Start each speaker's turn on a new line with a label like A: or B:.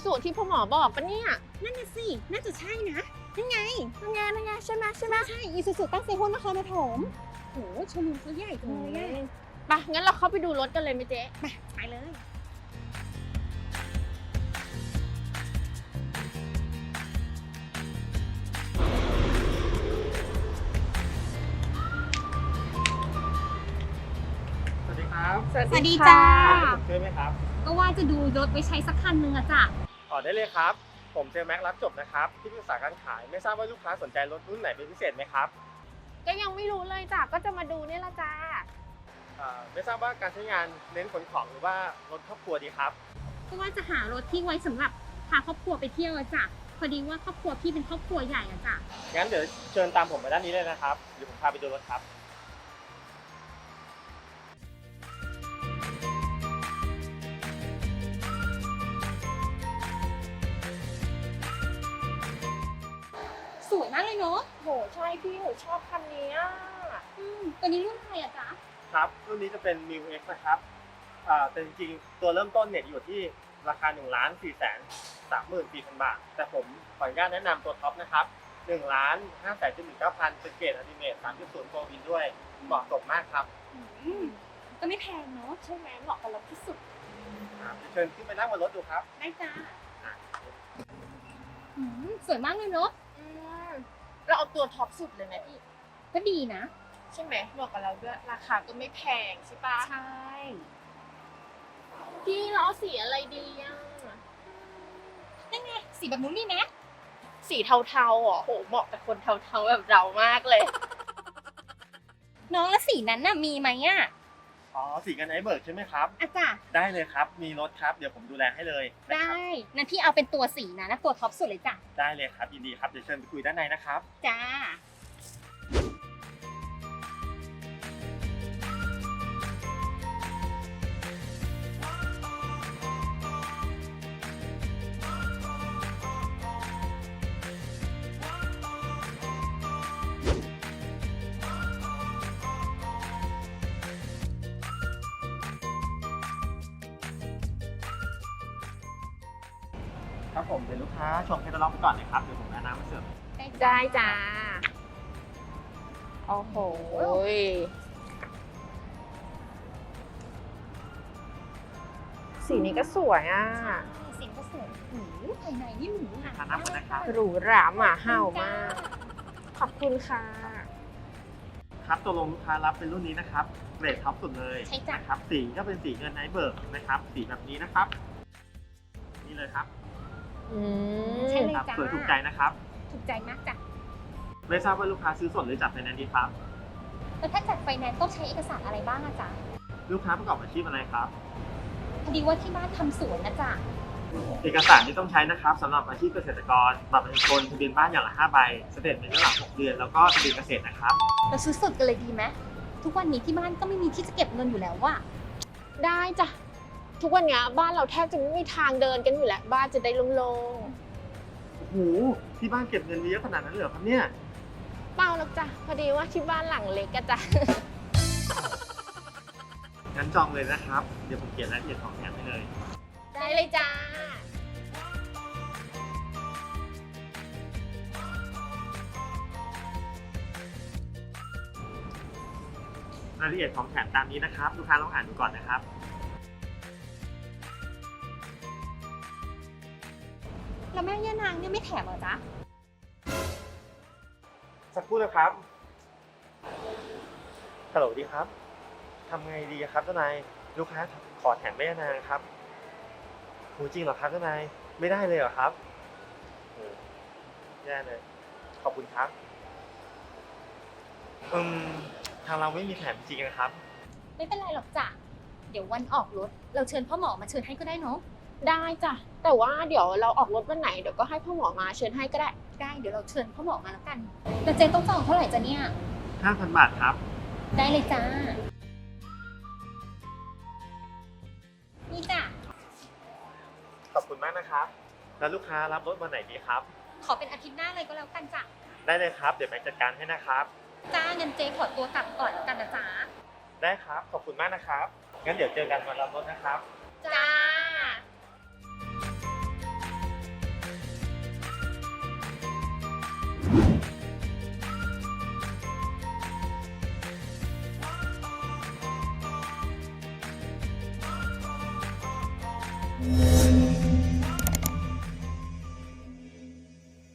A: ซูที่พ่อหมอบอกปะเนี่ย
B: นั่นน่ะสิน่าจะใช่นะนั่นไง
A: นั่นไงใช่ไหม
B: ใช่อีซูซูตั้งเซฮุนนครปฐมโหโชว์รูมเขาใหญ่จังเลยอะ
A: ไปงั้นเราเข้าไปดูรถกันเลยไหมเจ๊
B: ไปเลย
C: สวัสดีครับ
B: สวัสดีจ้า
C: ผมช่วยไหมครับ
B: ก็ว่าจะดูรถไว้ใช้สักคันนึงอะจ้ะ
C: ต่อได้เลยครับ ผมเจอแม็กรับจบนะครับ ที่ปรึกษาการขาย ไม่ทราบว่าลูกค้าสนใจรถรุ่นไหนเป็นพิเศษไหมครับ
A: ก็ยังไม่รู้เลยจ้ะก็จะมาดูเนี่ยละจ้า
C: ไม่ทราบว่าการใช้งานเน้นขนของหรือว่ารถครอบครัวดีครับ
B: ก็ว่าจะหารถที่ไว้สำหรับพาครอบครัวไปเที่ยวอะจ้ะพอดีว่าครอบครัวพี่เป็นครอบครัวใหญ่อะจ้ะ
C: งั้นเดี๋ยวเชิญตามผมมาด้านนี้เลยนะครับ เดี๋ยวผมพาไปดูรถครับ
B: สวยมากเลยเนาะ
A: โหใช่พี่หนูชอบคันนี้อะ
B: ตัวนี้รุ่นอะไรอะจ๊ะ
C: ครับ รุ่นนี้จะเป็น New X นะครับแต่จริงๆ ตัวเริ่มต้นเนี่ยอยู่ที่ราคา 1,434,000 บาท แต่ผมขออนุญาตแนะนำตัวท็อปนะครับ 1,579,000 เป็นเกรดอัลติเมท 3.0 โฟร์วินด้วย เหมาะสมมากครับ
B: ก็ไม่แพงเนาะ
A: ใช่ไหมเหมาะกับเราที่สุด
C: เชิญขึ้นไปนั่งบนรถดูครับ
B: ได้จ้าสวยมากเลยเนาะ
A: เราเอาตัวท็อปสุดเลยไหมพี่
B: ก็ดีนะ
A: ใช่ไหมเหมาะกับเราด้วยราคาก็ไม่แพงใช่ปะ
B: ใช่
A: พี่เราเอาสีอะไรดีอะ
B: นั่นไงสีแบบนู้นนี่นะ
A: สีเทาๆอ่ะโหเหมาะกับคนเทาๆแบบเรามากเลย
B: น้องแล้วสีนั้นน่ะมีไหมอะ
C: อ๋อ สีกันไอเบิร์กใช่ไหมครับ
B: อ่ะจ้ะ
C: ได้เลยครับ มีรถครับ เดี๋ยวผมดูแลให้เลยนะ
B: ได้
C: ครับ
B: งั้นพี่เอาเป็นตัวสีนะแล้วตัวท็อปสุดเลยจ้ะ
C: ได้เลยครับ ยินดีครับ เดี๋ยวเชิญไปคุยด้านในนะครับ
B: จ้า
C: ครับผม เดี๋ยวลูกค้าชมแคตตาล็อกไปก่อนนะครับ เดี๋ยวผมเอาน้ำมาเสิร์ฟ
A: ได้จ้าโอ้โหสีนี้ก็สวยอ่ะ
B: สีก็สวยภายในนี่หรูหรา
C: ทานน้ำก่อนนะครับ
A: หรูหราหมาเห่ามาก ขอบคุณค่ะ
C: ครับตกลงลูกค้ารับเป็นรุ่นนี้นะครับ เกรดท็อปสุดเลย
B: ใช่จ้ะ
C: นะครับ สีก็เป็นสีเงินไอเบิร์กนะครับ สีแบบนี้นะครับ นี่เลยครับ
B: ใช่เลย
C: ครับ
B: จ้า
C: สวยถูกใจนะครับ
B: ถูกใจมากจ้ะ
C: ไม่ทราบว่าลูกค้าซื้อสดหรือจัดไฟแนนซ์ดีครับ
B: แล้วถ้าจัดไฟแนนซ์ต้องใช้เอกสารอะไรบ้างอะจ๊ะ
C: ลูกค้าประกอบอาชีพอะไรครับ
B: พอดีว่าที่บ้านทำสวนนะจ๊ะ
C: เอกสารที่ต้องใช้นะครับสำหรับอาชีพเกษตรกรบัตรประชาชนทะเบียนบ้านอย่างละ5ใบสเตทเมนต์ย้อนหลัง6 เดือนแล้วก็ทะเบียนเกษตรนะครับ
B: เราซื้อสดกันเลยดีไหมทุกวันนี้ที่บ้านก็ไม่มีที่จะเก็บเงินอยู่แล้วว่ะ
A: ได้จ้ะ ทุกวันเนี้ยบ้านเราแทบจะไม่มีทางเดินกันอยู่แล้ว บ้านจะได้โล่ง
C: โอ้โหที่บ้านเก็บเงินไว้เยอะขนาดนั้นเลยเหรอครับเนี่ย
A: ๆเปล่าหรอกจ้ะ พอดีว่าที่บ้านหลังเล็กอะจ้ะ
C: งั้นจองเลยนะครับ เดี๋ยวผมเขียนรายละเอียดของแถมให้เลย
A: ได้เลยจ้า
C: รายละเอียดของแถมตามนี้นะครับ ลูกค้าลองอ่านดูก่อนนะครับ
B: แล้วแม่ย่านางเนี่ยไม่แถมเหรอจ๊ะ
C: สักครู่นะครับฮัลโหลดีครับทำไงดีครับเจ้านายลูกค้าขอแถมแม่นางครับโหจริงเหรอครับเจ้านายไม่ได้เลยเหรอครับโหแย่เลยขอบคุณครับทางเราไม่มีแถมจริงนะครับ
B: ไม่เป็นไรหรอกจ้ะ เดี๋ยววันออกรถเราเชิญพ่อหมอมาเชิญให้ก็ได้เนาะ
A: ได้จ้ะ แต่ว่าเดี๋ยวเราออกรถวันไหนเดี๋ยวก็ให้พ่อหมอมาเชิญให้ก็ได้
B: ได้เดี๋ยวเราเชิญพ่อหมอมาแล้วกันแต่เจนต้องจองเท่าไหร่จ๊ะเนี่ย
C: 5,000 บาทครับ
B: ได้เลยจ้า นี่จ้ะ
C: ขอบคุณมากนะครับ แล้วลูกค้ารับรถวันไหนดีครับ
B: ขอเป็นอาทิตย์หน้าเลยก็แล้วกันจ้ะ
C: ได้เลยครับเดี๋ยวแม็กจัดการให้นะครับ
B: จ้าเงินเจขอตัวกลับก่อนแล้วกันนะจ๊ะ
C: ได้ครับขอบคุณมากนะครับงั้นเดี๋ยวเจอกันวันรับรถนะครับ